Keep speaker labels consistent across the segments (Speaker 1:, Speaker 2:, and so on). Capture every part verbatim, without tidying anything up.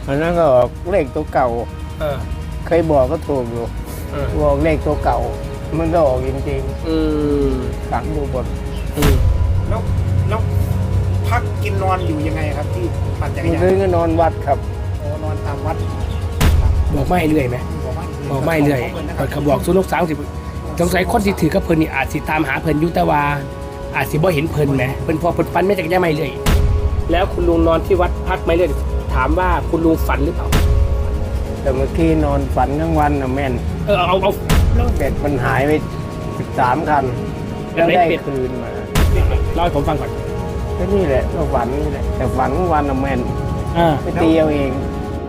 Speaker 1: อันนั้นก็ออกเลขตัวเก่า
Speaker 2: เออ
Speaker 1: เคยบอกก็ถูกอยู่บอกเลขตัวเก่ามันก็ออกจริงๆอืมฝังอยู่บน
Speaker 2: อืม
Speaker 3: แล้วแล้วพักกินนอนอยู่ยังไงครับที่ปั่นจักรยาน
Speaker 1: คืนก็นอนวัดครับ
Speaker 3: โอ้นอนตามวัด
Speaker 2: บอกไม่เรื่อยไหมบอกไม่เรื่อยเขาบอกสุนกสามสิบสงสัยคนที่ถือกระเพิ่นนี่อาจสิตามหาเพิ่นยุตวาอาจสิบ่เห็นเพิ่นไหมเพิ่นพอเพิ่นฟันไม่จักรยานไม่เรื่อยแล้วคุณลุงนอนที่วัดพักไม่เรื่อยถามว่าคุณลุงฝันหรือเปล่า
Speaker 1: แต่เมื่อกี้นอนฝันทั้งวันนะแม่น
Speaker 2: เออเอาเอา
Speaker 1: แล้วเป็ดมันหายไปสิบสามคันแล้วได้คืนมา
Speaker 2: เล่าให้ผมฟังก่อน
Speaker 1: ก็นี่แหละก็ฝันนี่แหละแต่ฝันทั้งวันนะแม่นไปตีเอาเอง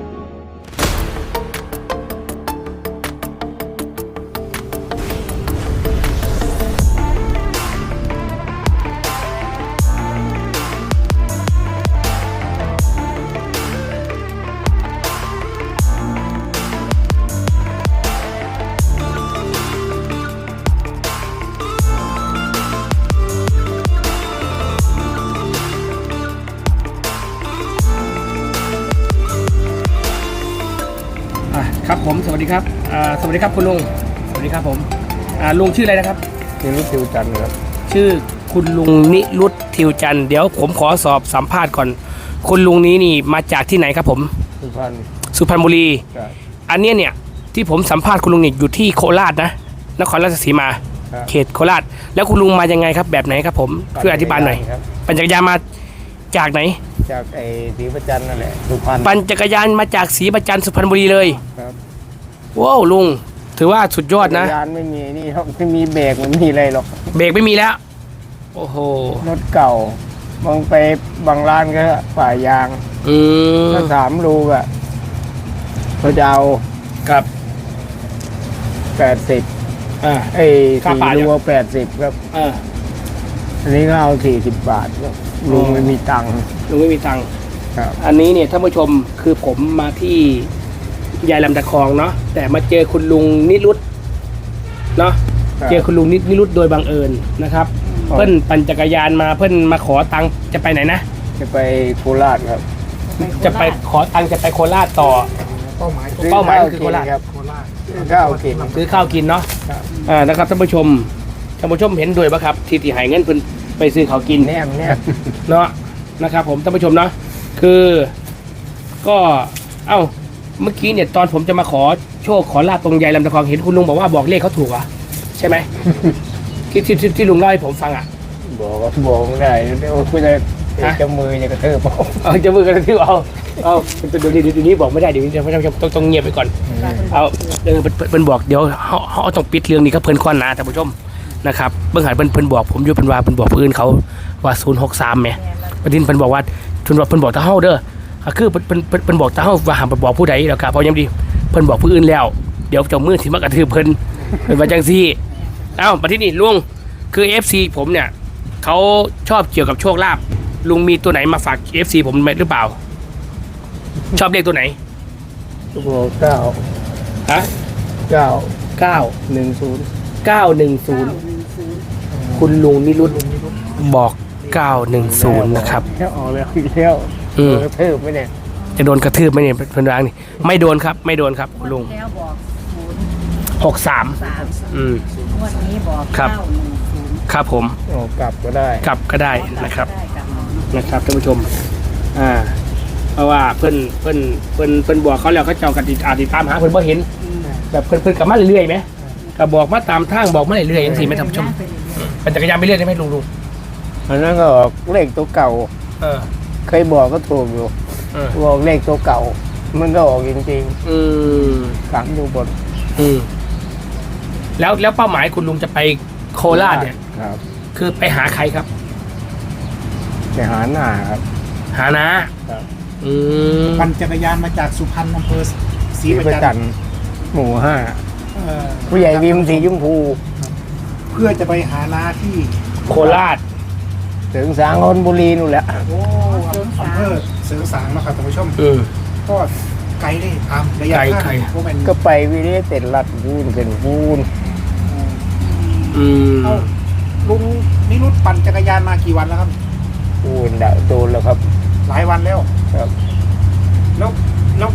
Speaker 2: ครับผมสวัสดีครับสวัสดีครับคุณลุงสวัสดีครับผมลุงชื่ออะไรนะครับ
Speaker 1: นิรุตทิวจันทร์ครับ
Speaker 2: ชื่อคุณลุงนิรุตทิวจันทร์เดี๋ยวผมขอสอบสัมภาษณ์ก่อนคุณลุงนี้นี่มาจากที่ไหนครับผม
Speaker 1: สุพรรณ
Speaker 2: สุพรรณบุรีอันนี้เนี่ยที่ผมสัมภาษณ์คุณลุงนี่อยู่ที่โคราชนะนครราชสีมาเขตโคราชแล้วคุณลุงมายังไงครับแบบไหนครับผมช่วยอธิบายหน่อยปั่นจักรยานมาจากไหน
Speaker 1: จากไอ้ศรีประจันนั่นแหละสุพรรณ
Speaker 2: ปั่นจักรยานมาจากศรีประจันสุพรรณบุรีเลย
Speaker 1: ครับ
Speaker 2: ว้าวลุงถือว่าสุดยอดนะ
Speaker 1: จักรยานไม่มีนี่ไม่มีเบรกไม่มีอะไรหรอก
Speaker 2: เบรกไม่มีแล้วโอ้โห
Speaker 1: รถเก่าบางไปบางร้านก็ป่ายาง
Speaker 2: อืม
Speaker 1: ถ้าสามลูกอะเขาจะเอา
Speaker 2: ครับ
Speaker 1: แปดสิบ
Speaker 2: อ่า
Speaker 1: ไอ้สี่ลูกแปดสิบครับ
Speaker 2: อ่า
Speaker 1: อันนี้ก็เอาสี่สิบบาทครับลุงไม่มีตังค์
Speaker 2: ลุงไม่มีตังค์
Speaker 1: ครับ
Speaker 2: อันนี้เนี่ยท่านผู้ชมคือผมมาที่ยายลำตะคองเนาะแต่มาเจอคุณลุงนิรุตเนาะเจอคุณลุงนิรุตโดยบังเอิญนะครับเพิ่นปั่นจักรยานมาเพิ่นมาขอตังค์จะไปไหนนะ
Speaker 1: จะไปโคราชครับ
Speaker 2: จะไปขอตังค์จะไปโคราชต่อ
Speaker 3: เป้าหมาย
Speaker 2: เป้าหมายคือโคราช
Speaker 1: ครับ
Speaker 3: โคราช
Speaker 1: ข้าวกิน
Speaker 2: ซื้อข้าวกินเนาะอ่านะครับท่านผู้ชมท่านผู้ชมเห็นด้วยป่ะครับที่ที่หายเงินเพิ่นไปซื้อข้าวกิน
Speaker 1: แน่แน่
Speaker 2: เนาะนะครับผมท่านผู้ชมเนาะคือก็เอ้าเมื่อกี้เนี่ยตอนผมจะมาขอโชคขอลาบตรงยายลำตะคองเห็นคุณลุงบอกว่าบอกเลขเขาถูกอ่ะใช่ไหมที่ที่ที่ลุงเล่าให้ผมฟังอ่ะ
Speaker 1: บอกก็บอกไม่ได้เดี๋ยวคุณจะจะมือจะกระเทืบ
Speaker 2: เอาจะมือกระเทืบเอาเอาเดี๋ยวเดี๋ยวนี้บอกไม่ได้เดี๋ยวจะต้องต้องเงียบไปก่อนเอาเออเพิ่นบอกเดี๋ยวเขาเขาต้องปิดเรื่องนี้ก็เพิ่นข้อหนาท่านผู้ชมนะครับเบื้องหลังเพิ่นเพิ่นบอกผมอยู่เพิ่นว่าเพิ่นบอกผู้อื่นเขาว่าศูนย์หกสามแหมประเด็นเพิ่นบอกว่าเพิ่นบอกเพิ่นบอกตาเฮาเด้อคือเพิ่นเพิ่นเพิ่นบอกตาเฮาว่าห้ามไปบอกผู้ใดแล้วครับเพราะยังดีเพิ่นบอกผู้อื่นแล้วเดี๋ยวเจ้ามือสิมากระทืบเพิ่นเป็นว่าจังซี่เอ้ามาที่นี่ลุงคือ เอฟ ซี ผมเนี่ยเขาชอบเกี่ยวกับโชคลาภลุงมีตัวไหนมาฝาก เอฟ ซี ผมหรือเปล่าชอบเลขตัวไหน
Speaker 1: ตัวเก้า
Speaker 2: ฮะ
Speaker 1: เก้า
Speaker 2: เก้า
Speaker 1: หนึ่งศูนย์
Speaker 2: เก้าหนึ่งศูนย์คุณลุงนิรุตบอกเก้าหนึ่งศูนย์นะครับ
Speaker 1: แค่ออกแล้วอีกแล้ว
Speaker 2: อืม
Speaker 1: กระทืบไหมเนี่ย
Speaker 2: จะโดนกระทืบไหมเนี่ยเพิ่นร้างนี่ไม่โดนครับไม่โดนครับคุณลุงหกสามอืม
Speaker 4: วันนี้บอก
Speaker 2: ครับครับผม
Speaker 1: กลับก็ได้
Speaker 2: กลับก็ได้นะครับนะครับท่านผู้ชมอ่าเพราะว่าเพิ่นเพิ่นเพิ่นเพิ่นบอกเขาแล้วเขาเจ้ากันติดอาติดตามหาเพิ่นบ่เห็นแบบเพิ่นเพิ่นกลับมาเรื่อยๆไหมก็บอกมาตามทางบอกมาเรื่อยๆอย่างสี่ไม่ท่านผู้ชมปั่นจักรยานไปเรื่อยได้ไหมลุงลุง
Speaker 1: อันนั้นก็เลขตัวเก่า
Speaker 2: เออ
Speaker 1: เคยบอกก็ถูกอยู่บอกเลขตัวเก่ามันก็ออกจริง
Speaker 2: ๆอืม
Speaker 1: ฝังอยู่บน
Speaker 2: อืมแล้วแล้วเป้าหมายคุณลุงจะไปโคราชเนี่ย
Speaker 1: ครับ
Speaker 2: คือไปหาใครครับ
Speaker 1: ไปหาหน้าครับ
Speaker 2: หาน้า
Speaker 1: ครับ
Speaker 2: อืม
Speaker 3: ปั่นจักรยานมาจากสุพรรณอำเภอศรีประจันทร์
Speaker 1: หมู่ห้าผู้ใหญ่วิมสีชมพู
Speaker 3: เพื่อจะไปหาน้าที่
Speaker 2: โคราช
Speaker 1: เสริงสางนนบุรีนู่นแหละ
Speaker 3: โอ้อำเภอเสริงสางนะครับท่านผู้ชมก็ไกลเลยตามระยะทาง
Speaker 1: ก็ไปวิริยะเต็ดลัดพูนเป็นพูน
Speaker 2: อืม
Speaker 3: ลุงนิรุตปั่นจักรยานมากี่วันแล้วครับ
Speaker 1: พูนดะโดนแล้วครับ
Speaker 3: หลายวันแล้ว
Speaker 1: ครับ
Speaker 3: แล้วแล้ว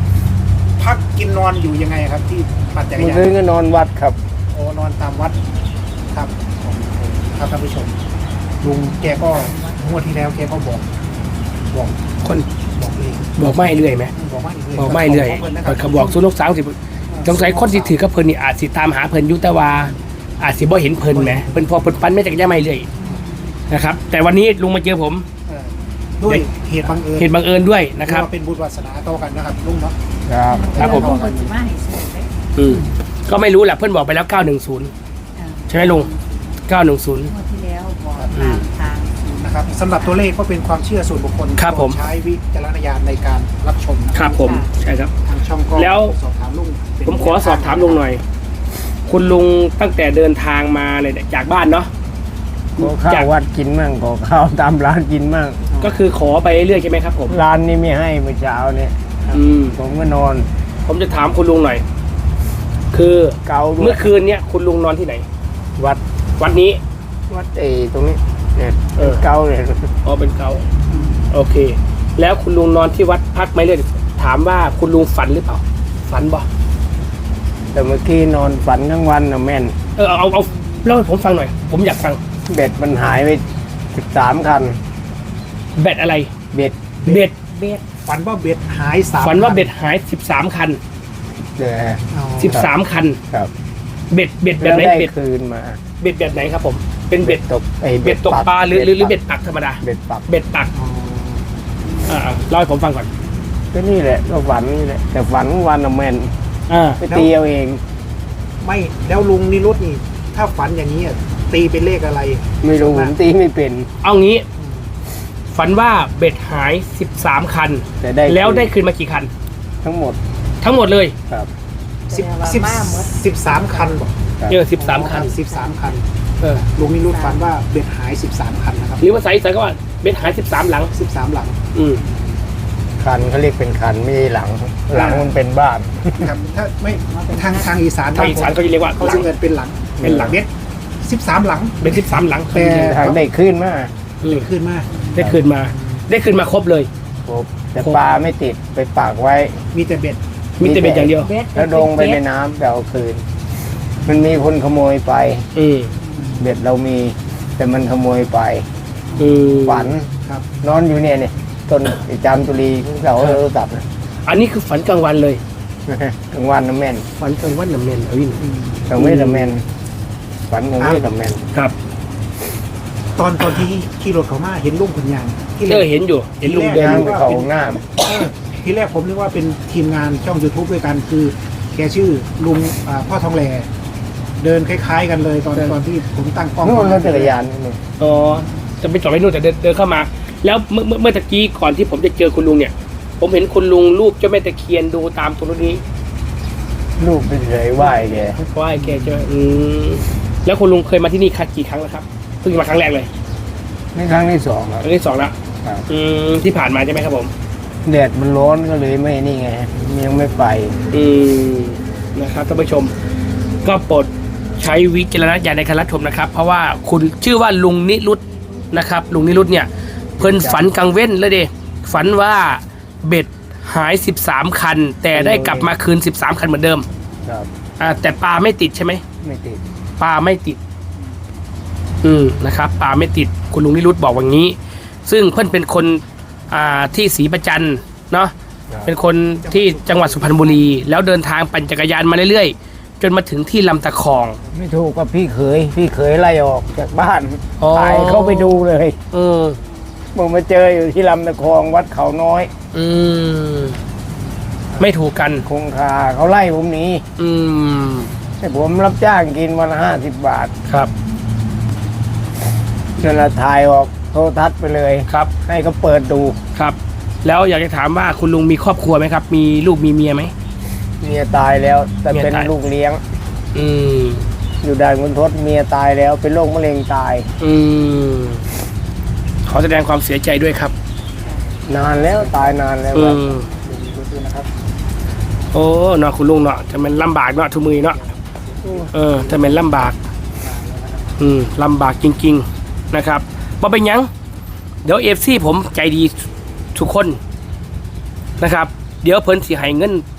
Speaker 3: นนอนอยู่ยังไงครับที่ปั่นจักร
Speaker 1: เมื่อย
Speaker 3: าน
Speaker 1: คืนก็นอนวัดครับ
Speaker 3: โอ้นอนตามวัดครับครับท่านผู้ชมลุงแกก็งวดที่แล้วแกก็บอกบอก
Speaker 2: คน
Speaker 3: บอกเลย
Speaker 2: บอกไม่เรื่อยไหม
Speaker 3: บอกไม่เลย
Speaker 2: บอกไม่เรื่อยเขาบอกสู้ลูกสาวสิสงสัยคนสิถือกับเพิ่นนี่อาจสิตามหาเพิ่นอยู่แต่ว่าอาจสิบ่เห็นเพิ่นไหมเพิ่นพอเพิ่นปั้นไม่จักรยานไม่เรื่อยนะครับแต่วันนี้ลุงมาเจอผม
Speaker 3: เออด้วยเหตุบังเอิญ
Speaker 2: เหตุบังเอิญด้วยนะครับ
Speaker 3: เรียกว่าเป็นบุญวาสนาต่อกันนะครับลุงเนาะ
Speaker 1: ครับ
Speaker 2: ครับผม
Speaker 4: คนที่มาให้ซื้อเลย
Speaker 2: อืมก็ไม่รู้แหละเพื่อนบอกไปแล้วเก้าหนึ่งศูนย์
Speaker 4: อ่า
Speaker 2: ใช่ไหมลุงเก้าหนึ่งศูนย์
Speaker 4: งวดที่แล้วบอกตามทาง
Speaker 3: นะครับสำหรับตัวเลขก็เป็นความเชื่อส่วนบุคคล
Speaker 2: ครับผม
Speaker 3: ใช้วิจารณญาณในการรับชมนะครับ
Speaker 2: ผมใช่ครับ
Speaker 3: ทางช่องก็
Speaker 2: แล้ว
Speaker 3: สอบถามลุงเป็น
Speaker 2: ผมขอสอบถามลุงหน่อย คุณลุงตั้งแต่เดินทางมาเลยเนี่ยจากบ้านเนาะ
Speaker 1: ก็ข้า
Speaker 2: จาก
Speaker 1: ววัดกินมั่งก็ข้าวตามร้านกินมั่ง
Speaker 2: ก็คือขอไปเรื่อยๆใช่ไหมครับผม
Speaker 1: ร้านนี้ไม่ให้เมื่อเช้าเนี่ย
Speaker 2: อืม
Speaker 1: ผมก็นอน
Speaker 2: ผมจะถามคุณลุงหน่อย คือ
Speaker 1: เกาด้ว
Speaker 2: เมื่
Speaker 1: ย
Speaker 2: อคืนเนี่ยคุณลุงนอนที่ไหน
Speaker 1: วัด
Speaker 2: วัดนี้
Speaker 1: วัดเอตรงนี้เนี่ย
Speaker 2: เออ
Speaker 1: เกาเลย
Speaker 2: อ๋อเป็นเขาโอเค แล้วคุณลุงนอนที่วัดพักไหมเลยถามว่าคุณลุงฝันหรือเปล่า ฝันบ่
Speaker 1: แต่เมื่อกี้นอนฝันทั้งวันนะแม่น
Speaker 2: เออเอาเอาเอาเล่าให้ผมฟังหน่อย ผมอยากฟัง
Speaker 1: เบ็ดมันหายไปสิบสามคัน
Speaker 2: แบตอะไร
Speaker 1: เบ็ด
Speaker 2: เบ็ด
Speaker 4: เบ็ด
Speaker 3: ฝันว่าเบ็ดหายสาม
Speaker 2: ฝันว่าเบ็ดหายสิบสามคัน
Speaker 1: เดี๋ยว
Speaker 3: อ๋อ
Speaker 2: สิบสามคัน
Speaker 1: ครับ
Speaker 2: เบ็ดเบ็ดแบ
Speaker 1: แล้
Speaker 2: บ
Speaker 1: ว
Speaker 2: ไหน
Speaker 1: ได้
Speaker 2: เบ็ด
Speaker 1: คืนมา
Speaker 2: เบ็ดแบบไหนครับผม เป็นเบ็ด
Speaker 1: ตกไอ้
Speaker 2: เบ็ดตกปลาหรือหรือหรือเบ็ดปักธรรมดา
Speaker 1: เบ็ดปัก
Speaker 2: เบ็ดปัก
Speaker 3: อ๋อ
Speaker 2: อ่าเล่าให้ผมฟังก่อน
Speaker 1: ก็นี่แหละก็ฝันนี่แหละแต่ฝันทั้งวันนะแม่น
Speaker 2: อ่า
Speaker 1: ไปตีเอาเอง
Speaker 3: ไม่แล้วลุงนิรุตนี่ ถ้าฝันอย่างนี้อ่ะตีเป็นเลขอะไร
Speaker 1: ไม่รู้ผมตีไม่เป็น
Speaker 2: เอางี้ ฝันว่าเบ็ดหายสิบสามคัน
Speaker 1: แต่ได้
Speaker 2: แล้วได้คืนมากี่คัน
Speaker 1: ทั้งหมด
Speaker 2: ทั้งหมดเลย
Speaker 1: ครับ
Speaker 3: สิบ
Speaker 4: แต่ว่า
Speaker 3: สิบ
Speaker 4: มาหมด
Speaker 3: สิบสามคันบอก
Speaker 1: ครับ
Speaker 2: เออสิบสามคัน
Speaker 3: สิบสามคัน
Speaker 2: เออ
Speaker 3: ลุงนิรุตฝันว่าเบ็ดหายสิบสามคันนะครับ
Speaker 2: หรือว่าใส่ใส่ก็ว่าเบ็ดหายสิบสามหลัง
Speaker 3: สิบสามหลัง
Speaker 2: อืม
Speaker 1: คันเขาเรียกเป็นคันไม่ใช่หลัง หลังมันเป็นบ้าน
Speaker 3: ครับถ้าไม่ทางทางอีสาน
Speaker 2: ทางอีสานเขาจะเรียกว่า
Speaker 3: เขา
Speaker 2: หลั
Speaker 3: จะ
Speaker 2: ง
Speaker 3: เงินเป็นหลัง
Speaker 2: เป็นหลัง
Speaker 3: เบ็ดสิบสามหลัง
Speaker 2: เป็นสิบสามหลัง
Speaker 3: แต่
Speaker 1: ทางได้ขึ้นมา
Speaker 2: อืม
Speaker 3: ขึ้นมา
Speaker 2: ได้คืนมา ได้คืนมาครบเลย
Speaker 1: ครบแต่ปลาไม่ติดไปปากไว้
Speaker 3: มีแต่เบ็ด
Speaker 2: มีแต่เบ็ดอย่างเดียว
Speaker 4: เบ็ด
Speaker 1: แล้วลงไปในน้ำแต่เอาคืน มันมีคนขโมยไป
Speaker 2: อืม
Speaker 1: เบ็ดเรามี แต่มันขโมยไป
Speaker 2: อืม
Speaker 1: ฝัน
Speaker 3: ครับ
Speaker 1: นอนอยู่เนี่ยเนี่ยต้นไอ้จามจุลีเสาโทรศัพท์นะ
Speaker 2: อันนี้คือฝันกลางวันเลย
Speaker 1: กลางวันน้ำแม่น
Speaker 2: ฝันกลางวันน้ำเนนอวิน
Speaker 1: กลางไม่น้ำแม่นฝันกลางไม่น้ำแม่น
Speaker 2: ครับ
Speaker 3: ตอนตอนที่ขี่รถเขามาเห็นลุงคนยางที่
Speaker 2: เออเห็นอยู่ เห็นลุงเดิน
Speaker 1: ย่า
Speaker 2: อง ยู่
Speaker 1: ไปเขาหน้า
Speaker 3: เออที่แรกผมนึกว่าเป็นทีมงานช่อง YouTube ด้วยกันคือแกชื่อลุงอ่าพ่อทองแหลเดินคล้าย ๆ กันเลยตอนตอนที่ผมตั้งกล้อง
Speaker 1: นู่นรถจักรยานนี่
Speaker 2: อ๋อ จะไปจอดไว้นู่นแต่เดินเดินเข้ามา แล้วเมื่อเมื่อเมื่อตะกี้ก่อนที่ผมจะเจอคุณลุงเนี่ย ผมเห็นคุณลุงรูปเจ้าแม่ตะเคียนดูตามตรงนี้
Speaker 1: ลูกไปเฉยไหวแก
Speaker 2: เพราะว่าไอ้แกใช่ไหมอืมแล้วคุณลุงเคยมาที่นี่คัดกี่ครั้งแล้วครับ เพิ่งมาครั้งแรกเลย
Speaker 1: นี่ครั้งที่สองค
Speaker 2: ค
Speaker 1: รับ
Speaker 2: รั้งที่สองแล้ว
Speaker 1: ครับ
Speaker 2: อืมที่ผ่านมาใช่ไหมครับผม
Speaker 1: แดดมันร้อนก็เลยไม่นี่ไงยังไม่ไป
Speaker 2: อืมนะครับท่านผู้ชม ก็โปรดใช้วิจารณญาณในการรับชมนะครับ เพราะว่าคุณชื่อว่าลุงนิรุตนะครับ ลุงนิรุตเนี่ย เพิ่นฝันกลางเว้นเลยเดฝันว่าเบ็ดหายสิบสามคัน แต่ได้กลับมาคืนสิบสามคันเหมือนเดิม
Speaker 1: ครับ
Speaker 2: อ่าแต่ปลาไม่ติดใช่ไหม
Speaker 1: ไม่ติด
Speaker 2: ปลาไม่ติด อืมนะครับปลาไม่ติดคุณลุงนิรุตบอกอย่างนี้ ซึ่งเพื่อนเป็นคนอ่าที่ศรีประจันเนาะ
Speaker 1: ครับ
Speaker 2: เป็นคนที่จังหวัดสุพรรณบุรี แล้วเดินทางปั่นจักรยานมาเรื่อยๆ จนมาถึงที่ลำตะคอง
Speaker 1: ไม่ถูกกับพี่เขยพี่เขยไล่ออกจากบ้าน
Speaker 2: อ๋อ
Speaker 1: ตายเข้าไปดูเลย
Speaker 2: อืม
Speaker 1: มึงมาเจออยู่ที่ลำตะคองวัดเขาน้อย
Speaker 2: อืมไม่ถูกกัน
Speaker 1: คงคาเขาไล่ผมหนี
Speaker 2: อืม
Speaker 1: ให้ผมรับจ้างกินวันละห้าสิบบาท
Speaker 2: ครับ
Speaker 1: จนละถ่ายออกโทรทัศน์ไปเลย
Speaker 2: ครับ
Speaker 1: ให้เขาเปิดดู
Speaker 2: ครับ แล้วอยากจะถามว่าคุณลุงมีครอบครัวไหมครับ มีลูกมีเมียไหม
Speaker 1: เมียตายแล้ว แต่
Speaker 2: เมีย
Speaker 1: เป็น
Speaker 2: ตาย
Speaker 1: ลูกเลี้ยง
Speaker 2: อืม
Speaker 1: อยู่ด่านคุณทศเมียตายแล้ว เป็นโรคมะเร็งตาย
Speaker 2: อืมขอแสดงความเสียใจด้วยครับ
Speaker 1: นานแล้วตายนานแล้ว
Speaker 2: อื
Speaker 1: ครับ
Speaker 2: มโอ้เนาะคุณลุงเนาะจะเป็นลำบากเนาะทุกมือเนาะเออจะเป็นลำบาก อืมลำบากจริงๆนะครับบ่เป็นหยัง เดี๋ยวเอฟซีผมใจดีทุกคนนะครับ เดี๋ยวเพิ่นสิให้เงิน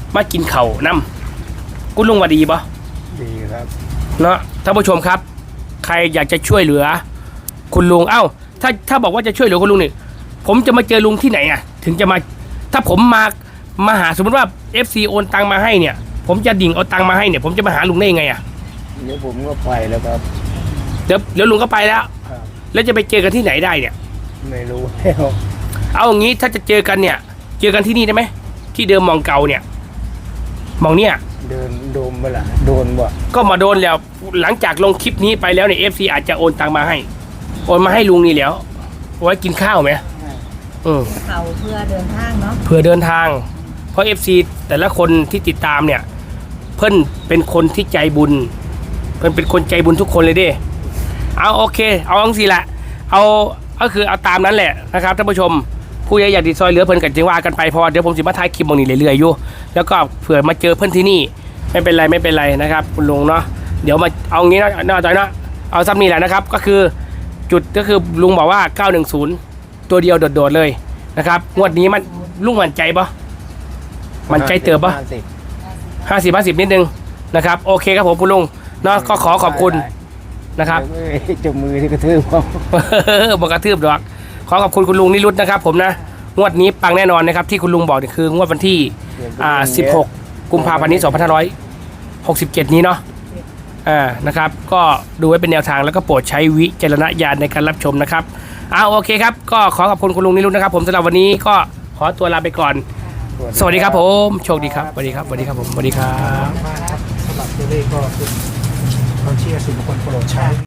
Speaker 2: มากินเข่าวนำคุณลุงว่าดีปะ
Speaker 1: ดีครับ
Speaker 2: เนาะท่านผู้ชมครับ ใครอยากจะช่วยเหลือ คุณลุงเอ้า ถ้าถ้าบอกว่าจะช่วยเหลือคุณลุงนี่ผมจะมาเจอลุงที่ไหนอ่ะถึงจะมาถ้าผมมามาหาสมมติว่า เอฟ ซี โอนตังมาให้เนี่ย ผมจะดิ่งเอาตังมาให้เนี่ยผมจะมาหาลุงได้ยังไงอ่ะ
Speaker 1: เดี๋ยวผมก็ไปแล้วครับ
Speaker 2: เดี๋ยวเดี๋ยวลุงก็ไปแล้ว
Speaker 1: ครับ
Speaker 2: แล้วจะไปเจอกันที่ไหนได้เนี่ย
Speaker 1: ไม่รู้แล้ว
Speaker 2: เอาอย่างนี้ถ้าจะเจอกันเนี่ย เจอกันที่นี่ได้ไหมที่เดิมมองเก่าเนี่ยมองเนี่ย
Speaker 1: เดินโดมเปล่าโดนบ่
Speaker 2: ก็มาโดนแล้วหลังจากลงคลิปนี้ไปแล้วเนี่ยเอฟซีอาจจะโอนตังมาให้โอนมาให้ลุงนี่แล้วเอาไว้กินข้าวไหมอืม
Speaker 4: เขาเพื่อเดินทางเนาะ
Speaker 2: เพื่อเดินทาง เพราะเอฟซีแต่ละคนที่ติดตามเนี่ย เพิ่นเป็นคนที่ใจบุญ เพิ่นเป็นคนใจบุญทุกคนเลยเด้เอาโอเค เอาอังสิละเอาก็คือเอาตามนั้นแหละนะครับท่านผู้ชมผู้ใหญ่อยากติดซอยเหลือเพิ่นกันจึงว่ากันไปเพอเดี๋ยวผมสิมาถ่ายคลิปบางนี้เรื่อยๆอยู่แล้วก็เผื่อมาเจอเพิ่นที่นี่ไม่เป็นไรไม่เป็นไรนะครับคุณลุงเนาะเดี๋ยวมาเอางี้นะน่าใจนะเอาซ้ำนี่แหละนะครับก็คือจุดก็คือลุงบอกว่าเก้าหนึ่งศูนย์ตัวเดียวโดดๆเลยนะครับงวดนี้มันลุงมั่นใจปะมั่นใจเติบปะ
Speaker 1: ห้าสิบ
Speaker 2: ห้าสิบห้าสิบนิดนึงนะครับโอเคครับผมคุณลุงเนาะก็ขอขอบคุณนะครับ
Speaker 1: เอ้ยจมมือที่กระทืบเขา
Speaker 2: บอกกระทืบดอกขอขอบคุณคุณลุงนิรุตนะครับผมนะงวดนี้ปังแน่นอนนะครับที่คุณลุงบอกนี่คืองวดวันที่อ่าสิบหกกุมภาพันธ์นี้สองพันห้าร้อยหกสิบเจ็ดนี้เนาะอ่านะครับก็ดูไว้เป็นแนวทางแล้วก็โปรดใช้วิจารณญาณในการรับชมนะครับเอาโอเคครับก็ขอขอบคุณคุณลุงนิรุตนะครับผมสำหรับวันนี้ก็ขอตัวลาไปก่อนสวัสดีครับผมโชคดีครับสวัสดีครับสวัสดีครับผมสวัสดีครับ
Speaker 3: มากครับสำหรับตัวเลขก็คือความเชื่อส่วนบุคคลโปรดใช้